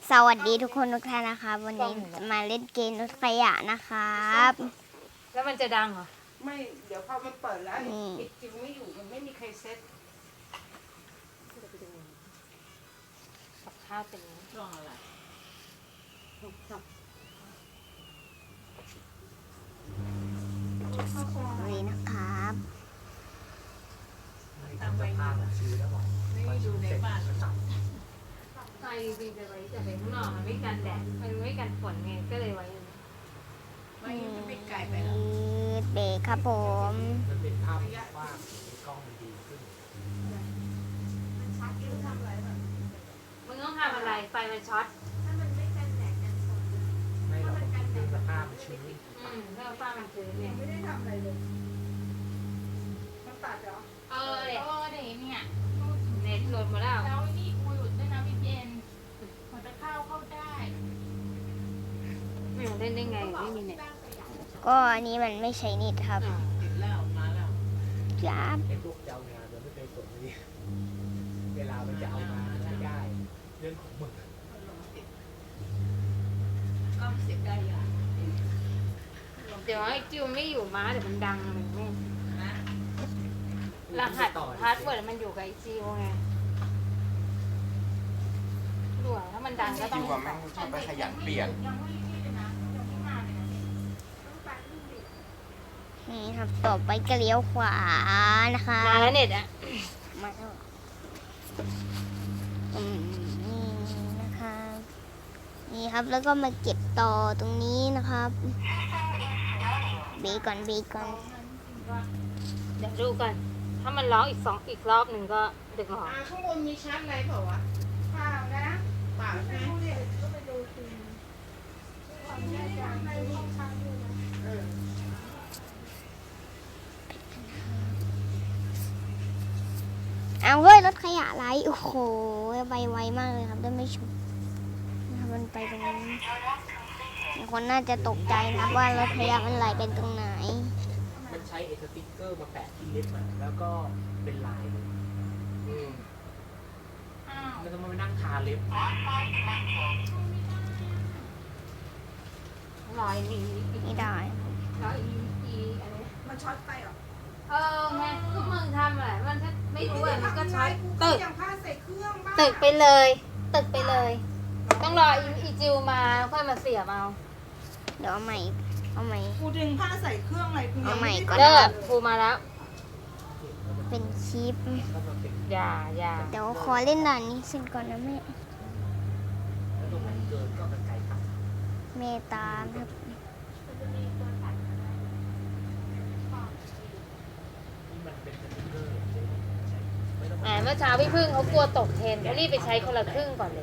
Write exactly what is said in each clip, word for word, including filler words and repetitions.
สวัสดีทุกคนทุกท่านนะครับวันนี้จะมาเล่นเกมรถขยะนะครับแล้วมันจะดังเหรอไม่เดี๋ยวพอมันเปิดแล้วไอ้จิวไม่อยู่มันไม่มีใครเซ็ตกับข้าวเป็นช่วงอะไรนี่นะครับทำไปมาไม่ดูในบ้านไฟจริงจะไว้แต่ไปข้างนอกมันไม่กันแดดมันไม่กันฝนไงก็เลยไว้ไม่ไม่ไกลไปแล้วเบรกครับผมมันเป็นภาพว่างกล้องมันดีขึ้นมึงต้องทำอะไรไฟมันช็อตไม่เราเป็นสภาพชื้นอืมเพื่อฟ้ามันชื้นเนี่ยไม่ได้ทำอะไรเลยมันตัดเหรอเออเด็กเออเดี๋ยวเนี่ยเน็ตหลุดหมดแล้วแล้วนี่กูหลุดด้วยนะพี่เจนพอจะเข้าเข้าได้ไม่รู้เล่นได้ไงไม่มีเน็ตก็อันนี้มันไม่ใช่นิดครับติดแล้วมาแล้วจับไอ้พวกเจ้างานมันไม่เคยสนเลยเวลามันจะเอามาไม่ได้เรื่องของมึงก็เสียได้ยังเดี๋ยวไอ้จิวไม่อยู่ม้าเดี๋ยวมันดังมันไม่นะรหัสพาสเวิร์ดมันอยู่กับไอจิวไงด่วนถ้ามันดังก็ต้องจิวว่าแม่งชอบไปขยันเปลี่ยนยังไม่นี่เลยนะยังไม่มาเลยนะนี่ครับต่อไปก็เลี้ยวขวานะคะมาแล้วเน็ตอ่ะมาแล้วอืมนี่นะครับนี่ครับแล้วก็มาเก็บต่อตรงนี้นะครับเบรกก่อนเบรกก่อนเดี๋ยวดูกันถ้ามันร้องอีกสองอีกรอบหนึ่งก็ดึกหรออ่าข้างบนมีชั้นอะไรเปล่าวะเปล่านะเปล่าใช่ไหมก็ไปดูทีความแน่ใจในห้องชั้นด้วยนะเออเอาเฮ้ยรถขยะไรโอ้โหไปไวมากเลยครับได้ไม่ชุบนะครับมันไปตรงนี้คนน่าจะตกใจนะครับว่ารถขยะมันไหลเป็นตรงไหนมันใช้เอสติ๊กเกอร์มาแปะที่เล็บมันแล้วก็เป็นลายอืมอ้าวแล้วก็มานั่งทาเล็บรอยอีไม่ได้รอยอีอีอะไรมันช็อตไปเหรอเออไงก็มึงทำอะไรมันถ้าไม่รู้อ่ะมันก็ช็อตตึตึกกอย่างผ้าใส่เครื่องบ้างตึกไปเลย ตึกไปเลย ต้องรออีอีจิวมาค่อยมาเสียบเอาเดี๋ยวเอาใหม่เอาใหม่กูดึงผ้าใส่เครื่องอะไรกูยังไม่ได้เอาใหม่ก่อนเลิกครูมาแล้วเป็นคลิปก็มาเป็นอย่าอย่าเดี๋ยวขอเล่นด่านนี้เสร็จก่อนนะแม่แล้วตรงไหนเกินก็เป็นไก่ตัดเมตามครับที่มันเป็นสติ๊กเกอร์อย่างเดียวใช่ไม่ต้องแหมเมื่อเช้าพี่พึ่งเขากลัวตกเทรนเขารีบไปใช้คนละครึ่งก่อนเลย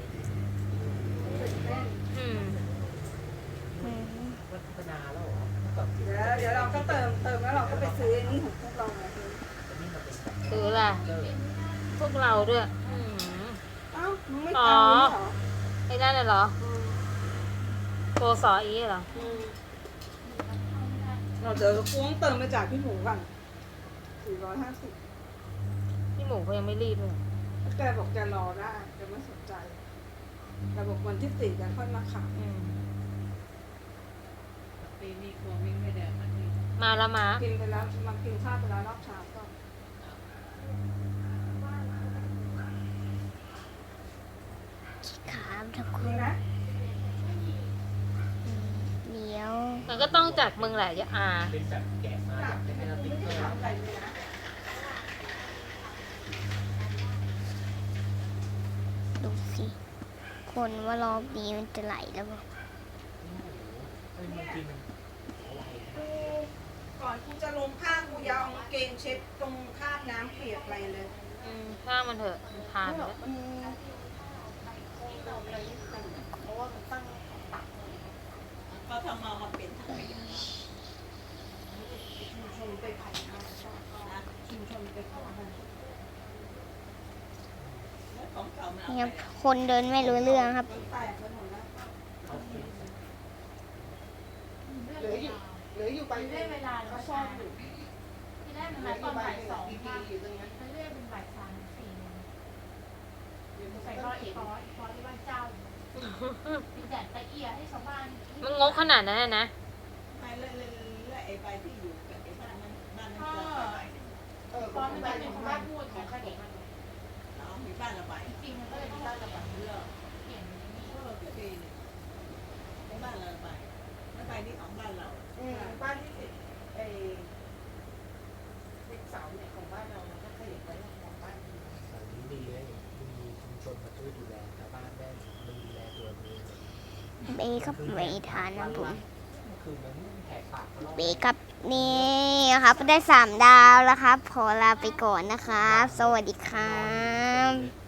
อืมอืมพัฒนาแล้วเหรอแบบเดี๋ยวเดี๋ยวเราก็เติมเติมแล้วเราก็ไปซื้อนี่ของพวกเราไงนี่มันเป็นซื้อล่ะเกอร์พวกเราด้วยอืมเอ้ามึงไม่ตามนี้เหรอไอ้นั่นน่ะเหรอโกสออีเหรอเราเดี๋ยวกูต้องเติมมาจากพี่หมูก่อนสี่ร้อยห้าสิบพี่หมูเขายังไม่รีบเลยแกบอกแกรอได้แกไม่สนใจแกบอกวันที่สี่แกค่อยมาขายอืมปีนี้ครัววิ่งไม่ได้มันนี่มาแล้วมากินไปแล้วมากินข้าวไปแล้วรอบเช้าก็ครับทุกคนนี่นะเลี้ยวมันก็ต้องจากมึงแหละอย่าอาเป็นแบบแกะมาจากเป็นสติ๊กเกอร์ถามอะไรเลยนะดูสิคนว่ารอบนี้มันจะไหลแล้วบอกเฮ้ยมันกินอะไรกูก่อนกูจะลงผ้ากูยาวเอากางเกงเช็ดตรงคราบน้ำเปียกอะไรเลยอืมข้ามันเถอะมันทานไปแล้วก็ทำมามาเป็นถังขยะชุมชนไปผ่านนะชุมชนไปผ่านนี่ครับคนเดินไม่รู้เรื่องครับแตกไปหมดแล้วเอากินเหลืออยู่เหลืออยู่ไปได้เวลาแล้วเขาชใช่อบอยู่ที่แรกมันเหลืนัอดอตอยู่ นใบบ่ายสองดีๆอยู่ตรงนี้ไปเรื่อยเป็นบ่ายสามสี่โมงใส่ก็อีกฟออีกฟอที่บ้านเจ้าอืมมีแดดตะเอียให้ชาวบ้านมันงกขนาดนั้นน่ะนะไปเลยเลยเลยไอ้ใบที่อยู่กับไอ้บ้านนั้นบ้านนั้นก็เกิดไปเออตอนมันบ้านเป็นของบ้าบ้าน นพูดของขนมเรามีบ้านละใบจริงๆมันก็เลยต้องบ้านละใบเลือกเปลี่ยนนี่พวกเราก็ดีเนี่ยไอ้บ้านละใบแล้วใบนี้ของบ้านเราอืมบ้านที่ติดไอ้ติดเสาเนี่ยของบ้านเรามันก็ขยับไปของบ้านอื่นสายนี้ดีนะมีชุมชนมาช่วยดูแลชาวบ้านได้มันดูแลตัวเองเบครับเบทานนะผมคือมันแหกปากเขาเบครับนี่ครับได้สามดาวแล้วครับขอลาไปก่อนนะครับ สวัสดีครับ